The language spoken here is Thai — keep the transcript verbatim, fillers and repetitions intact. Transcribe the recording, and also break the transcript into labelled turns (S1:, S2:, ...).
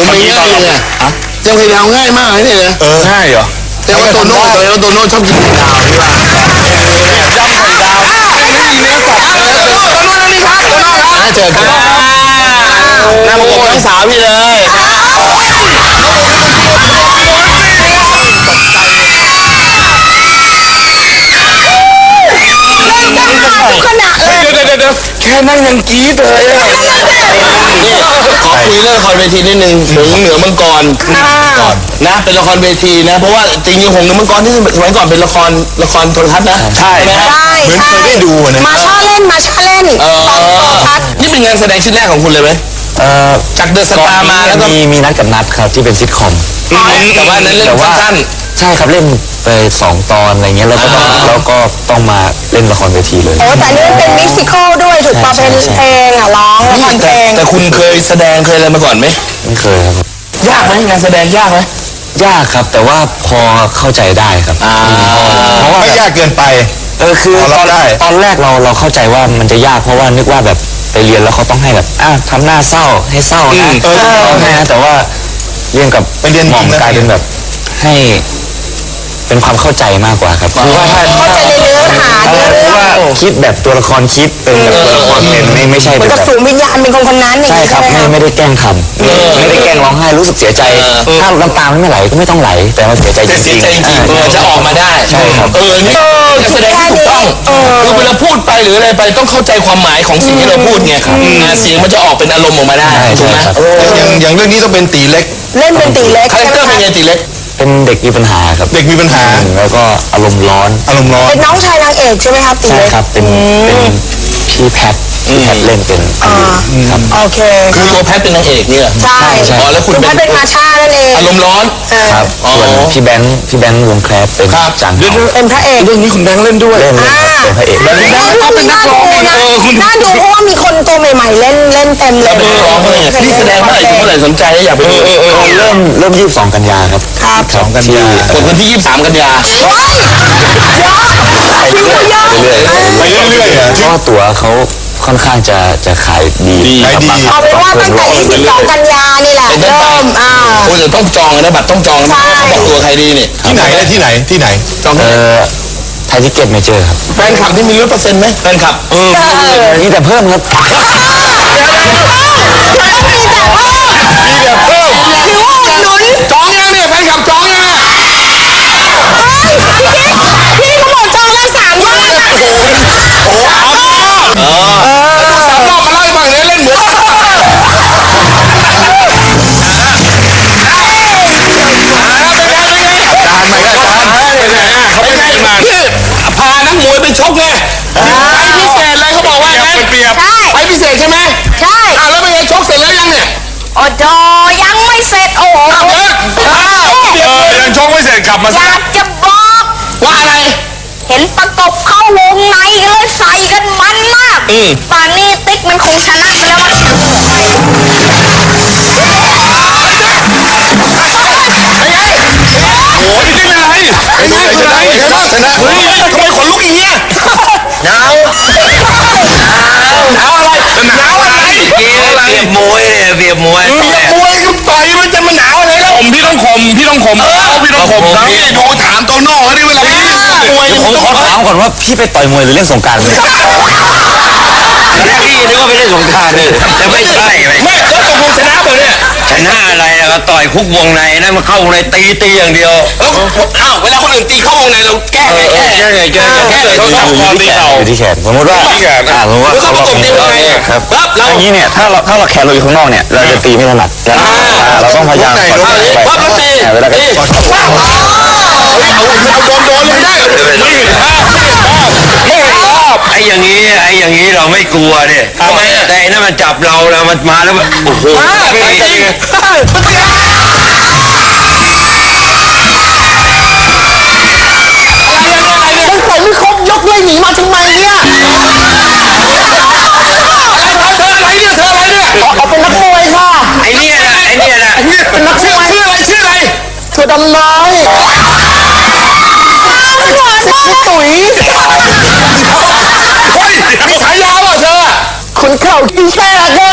S1: ผมไม่ง่ายเลยเจ้าไข่ดาวง่ายมากเลยเนี่ยนะ
S2: เออง่ายเหรอ
S1: แต่ว่าโตโน่แต่ว่าโตโน่ชอบกินไข่ดาวนี่ว่า
S2: ย่ำไข่ดาวไม่มีเนื้อสัตว์เลยโตโน่นี่ครับโตโน่ครับ
S1: เจอกันหน้าประกบน้องสาวพี่เลย
S3: ขณะเลย
S2: เดี๋ยวเดี๋ยวเดี๋ยวแค่นั่งยังกรี๊ดเลยอ่ะ
S1: ขอคุยเรื่องละครเวทีนิดนึงหงเหนือมังกรก่อนนะเป็นละครเวทีนะเพราะว่าจริงๆหงเหนือมังกรที่สมัยก่อนเป็นละครละครโทรทัศน์นะ
S2: ใช่
S3: ใช่
S2: เหมือนเคยได้ดูนะ
S3: มาช่าเล่นมาช่าเล่นตอนโทรทัศน์
S1: นี่เป็นงานแสดงชิ้นแรกของคุณเลยไหม
S4: เอ่อ
S1: จากเดอะสตาร์มาแล้วก็
S4: มีมีนัดกับนัดครับที่เป็นซิทคอม
S1: แต่ว่านั้นเล่นสั้น
S4: ใช่ครับเล่นไปสองตอนอะไรเงี้ยแล้วก็ต้องแล้วก็ต้องมาเล่นละครเวทีเลย
S3: โอ้แต่นี่เป็นมิวสิคอลด้วยถูกป่ะเป็นเพลงอ่ะร้องละครเพลง
S1: แต่คุณเคยแสดงเคยอะไรมาก่อนไหม
S4: ไม่เคยครับ
S1: ยากไหมงานแสดงยากไหม
S4: ยากครับแต่ว่าพอเข้าใจได้ครับ
S2: เพราะว่าไม่ยากเกินไป
S4: เออคือตอนตอนแรกเราเราเข้าใจว่ามันจะยากเพราะว่านึกว่าแบบไปเรียนแล้วเขาต้องให้แบบอ่ะทำหน้าเศร้าให้เศร้านะเออให้นะแต่ว่าเรียนกับ
S2: ไปเรียน
S4: หม่อมกลายเป็นแบบให้เป็นความเข้าใจมากกว่าครับคือว่าถ้า
S3: เข้าใจในเนื้อหาเนื้อเรื่อง
S4: ว่าคิดแบบตัวละครคิดเป็นแบบตัวละครเป็นไม่ไม่ใช่
S3: เหมือนกับสูงวิญญาณเป็นคนคนนั้น
S4: ใช่ครับไม่ไม่ได้แกล้งทำไม่ได้แกล้งร้องไห้รู้สึกเสียใจถ้าน้ำตาไม่ไหลก็ไม่ต้องไหลแต่ว่าเสียใจจริง
S1: ๆจะออกมาได้
S4: ใช่ครับ
S1: เออนี่แสดงที่ถูกต้องคือเวลาพูดไปหรืออะไรไปต้องเข้าใจความหมายของสิ่งที่เราพูดไงเสียงมันจะออกเป็นอารมณ์ออกมาได้ถูกไหม
S2: อย่างอย่างเรื่องนี้ต้องเป็นตีเล็ก
S3: เล่นเป็นตีเล็ก
S1: คาแรคเตอร์เป็นไงตีเล็ก
S4: เป็นเด็กมีปัญหาครับ
S2: เด็กมีปัญหา
S4: แล้วก็อารมณ์ร้อน
S2: อารมณ์ร้อน
S3: เป็นน้องชายนางเอกใช่ไหมครับตี
S4: เล็กใช่ครับเป็นเป็นพี่แพทพี่แพทเล่นเป็น
S3: ครับโอเค
S1: คือตัวแพทเป็นนางเอกเนี่ย
S3: ใช่
S4: ใช่
S1: อ๋อแล้วคุณ
S3: เป็นมาชานั่นเอง
S1: อารมณ์ร้อน
S4: ครับส่วนพี่แบงค์พี่แบงค์วงแคลสเป็นจัง
S3: เป็นพระเอก
S1: เรื่องนี้คุณแบงค์เล่นด้วย
S4: เล่นเป็นพระเอก
S3: แล้วคุณแบงค์ก็เป็นนักร้องนะน่าดูเพราะว่ามีคนตัวใหม่ๆเล่นเล่นเต็มเลย
S1: เป็นนักร้องเลยนี่แสดงเมื่อไหร่เมื่อไหร่สนใจอยากไปดู
S4: เริ่มเริ่มยี่สิบสองกันยาครับ
S3: ครับ
S4: สองกันยา
S1: วันที่ยี่สิบสามกันยา
S3: ไปเรื่อย
S2: ไปเรื่อยๆ
S4: เพราะตั๋วเขาค่อนข้างจะจะขายดี
S2: ขายดี
S3: เอาเป็นว่าตั้งแต่ยี่สิบสองกันยานี่แหละเริ่มอ่า
S1: โอ้ยต้องจองนะบัตรต้องจองนะบอกตัวใครดีเนี่ย
S2: ที่ไหนที่ไหนที่ไหน
S1: จอง
S4: เออไทยทิเก็ตเมเจอร์ครับ
S1: แฟนคลับที่มีลดเปอร์เซ็นต์ไหมแฟนคลับเออ
S4: มีแต่เพิ่มครับ
S3: มีแต่เพิ่ม
S2: มีแต่เพิ่ม
S3: ถือว่าอุดหนุน
S1: จองยังเนี่ยแฟนคลับจองยัง
S3: พี่เขาบอกจองแล้วสามรอบ
S1: โอ้สามรอบเออสามรอบมาเล่าให้ฟังเนี่ยเล่นเหมือนพานักมวยไปชกไงไปพิเศษเลยเขาบอกว่าไง
S2: เปรียบ
S1: ไปพิเศษใช่ไหม
S3: ใช่
S1: อ่าแล้วเป็นไงชกเสร็จแล้วยังเนี่ย
S3: โอ้โหยังไม่เสร็จโอ้โห
S2: เออยังชกไม่เสร็จกลับมา
S3: อยากจะบอก
S1: ว่าอะไร
S3: เห็นประกบเข้าวงในเลยใส่กันมันมากป่านนี้ติ๊กมันคงชนะไปแล้วมั้ง
S2: โอ้ยจริงอะไรเป็นไงชนะชนะชนะ
S1: เฮ้ยทำไมขนลุกอย่างเงี้ยหนาวหนาวอะไรหนาวอะไร
S4: เปรียบมวยเปรียบมวย
S1: มวยก็ต่อยมันจะมาหนาวอะไรแล้ว
S2: ผมพี่ต้องข่มพี่ต้องข่มเอาพี่ต้องข่มนะพี่ดูถามโตโน่นี่เวลาพี่
S1: มวย
S4: ผมขอถามก่อนว่าพี่ไปต่อยมวยหรือเล่นสงกรานต์พี่นึกว่าไปเล่นสงกรานต์เลยแต่ไม่ใช่
S1: ไม่แล้วตกลงชนะเปล่าเนี่ย
S4: ชนะอะไรอะต่อยคุกวงในนั่นมาเข้าวงในตีตีอย่างเดียว
S1: อ้าวเวลาคนอื่นตีเข้าวงในเราแก้ไงแก้
S4: แก้ไงแก้แก้เลยเขาทำความตีเขาอยู่ที่แขนสมมติว่าอ่าสมมติว่า
S1: เขาประกบตีวงใน
S4: ครับเราอย่างนี้เนี่ยถ้าเราถ้าเราแขนเราอยู่ข้างนอกเนี่ยเราจะตีไม่ถนัดเราต้องพยายาม
S1: ปั๊บแล้วตี
S4: เวลา
S1: ตีเอาเอาโดนโดนเลยได้ไม่เห็นภาพไม่เห็นภาพ
S4: ไอ้อย่างนี้ไอ้อย่างนี้เราไม่กลัวเนี่ยทำไมแต่นั่นมันจับเราแล้วมันมาแล้วมันโอ้โห
S1: ไม่จริงมันปล่อยไม่ครบยกเลยหนีมาทำไมเนี่ยอะไรเธออะไรเนี่ยเธออะไรเนี่ย
S3: เอาเป็นนักมวยค่ะ
S4: ไอ้เนี่ยนะไอ้เนี่ยนะ
S1: เป็นนักมวยชื่ออะไรชื่ออะไร
S3: เธอดำน้อยตุ๋ย
S1: เฮ้ยมีฉายาป่ะเธอ
S3: คนเข่าขี้แช่ก็